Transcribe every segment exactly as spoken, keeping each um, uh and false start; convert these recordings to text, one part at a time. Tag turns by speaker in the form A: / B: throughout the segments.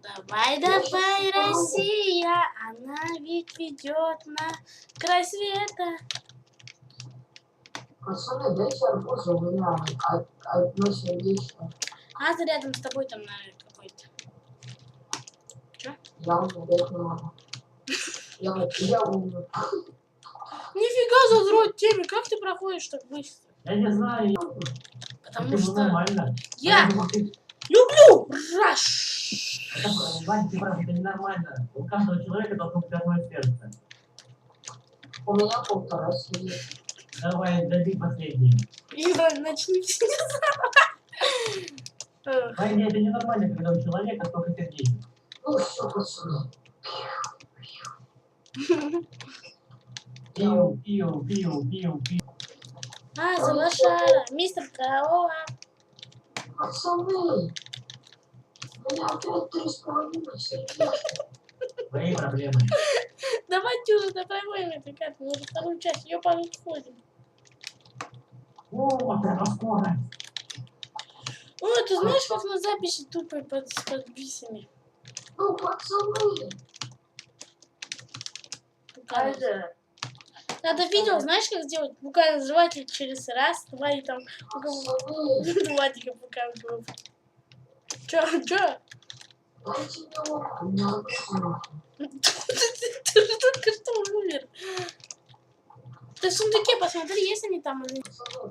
A: Давай, давай, Россия, она ведь ведет на край света.
B: Пацаны, дайте арбузы, у меня одно сердечко.
A: А ты рядом с тобой там, наверное, какой-то. Чё?
B: Я умею, не могу. Я, я умею.
A: Нифига задрот теме, как ты проходишь так быстро?
C: Я не знаю.
A: Потому что
C: нормально.
A: я
C: Ты...
A: люблю раш.
C: Это, Вань, ты прав, это ненормально. У каждого человека должно быть одно сердце.
B: У меня полтора сидит.
C: Давай, дай последний.
A: Ира, начните.
C: Вань, это ненормально, когда у человека столько сердечек.
B: Ну все, пацаны.
C: Пиу, пиу, пиу, пиу, пиу.
A: А, за лошара, мистер Корова.
B: Пацаны, у меня опять три с половиной сердечка.
C: Твои проблемы.
A: Давайте уже доproходим эту карту, мы уже вторую часть, ее подходим.
C: О, вот это скорость.
A: О, ты знаешь, как на записи тупо под, с подписями?
B: Ну, пацаны.
A: Надо, Надо видео, знаешь, как сделать? Буквально жеватель через раз, два и там... Владика показывал. Чё, чё?
B: Дайте мне лодку, у меня лодка.
A: Ты же только что умер. Ты в сундуке посмотри, есть они там или...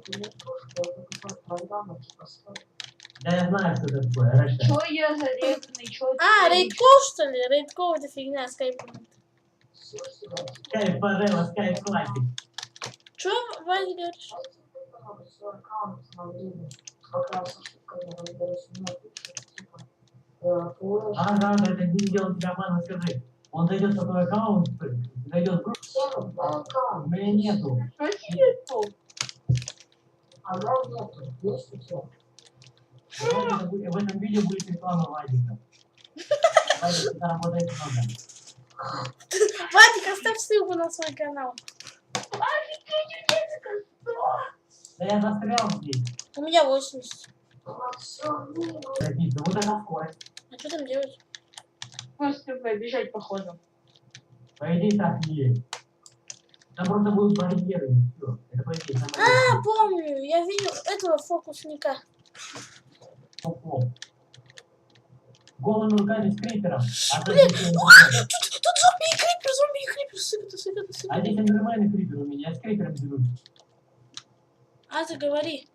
C: Да я знаю, что это такое. Рэша.
D: Чё я зарезанный? Чё
A: А, рейдкол, что ли? Рейдкол это фигня, скайп.
C: Скайп Парелла, скайп классик.
A: Чё, Ваня, говоришь?
C: А, да, да, это не делает тебя обман, скажи. Он зайдет на твой аккаунт, зайдет в группу. У меня нету.
D: Что тебе?
B: А я нету. Есть у тебя?
C: В этом видео будет реклама Вадика. Вадик, это работает много.
A: Вадик, оставь ссылку на свой канал.
C: Да я застрял здесь.
A: У меня восемьдесят.
C: Какие-то, вот это скорость.
A: А что там делать?
D: Просто побежать походу.
C: По идее так не есть. Там просто будут барьеры, и все. Это по идее самое.
A: А, помню, я видел этого фокусника.
C: Оп-оп. Голыми руками с крипером. А
A: Блин,
C: здесь
A: а, тут, тут зомби и крипер, зомби и крипер, сыграй, сыграй,
C: а
A: сыграй.
C: здесь нормальный крипер у меня, я с крипером дерусь.
A: А, ты говори.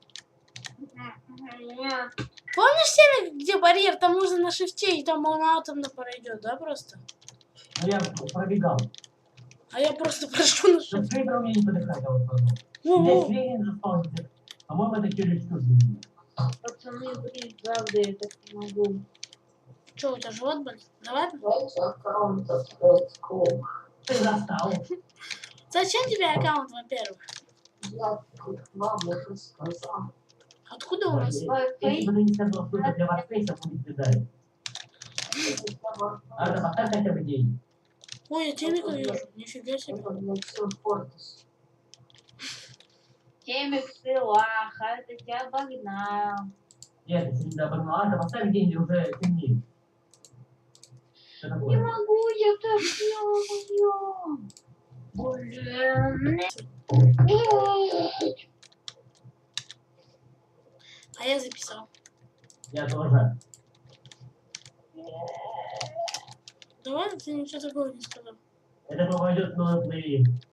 A: Помнишь тему, где барьер, там можно на шифте, и там он атомно пройдет, да, просто?
C: Ну я пробегал.
A: А я просто прошу на
C: С
A: шифте.
C: крипером мне не подыхать, а вот потом.
A: Ну,
C: Здесь
A: ну.
C: Ленин заспаунится. По-моему, это чересчур для меня.
D: Пацаны, блин, правда, я так не могу.
A: Че, у тебя живот болит? Давай.
B: Дайте аккаунт открыть клуб.
C: Ты застал.
A: Зачем тебе аккаунт, во-первых?
B: Я вам уже сказал.
A: Откуда у нас?
C: Если бы ты не сказал, что это для варфейса будет бедой. Арда, поставь хотя бы день.
A: Ой, я темика вижу. Нифига себе.
B: Это для всех Фортис.
D: Темик села, это тебя обогнал.
C: Нет, если не обогнал. Арда, поставь день, уже темнеет. Что
D: Не
C: такое?
D: могу, я так делаю. Блин.
A: А я записал.
C: Я тоже.
A: Давай, ты ничего такого не сказал.
C: Это попадет в новый плейлист.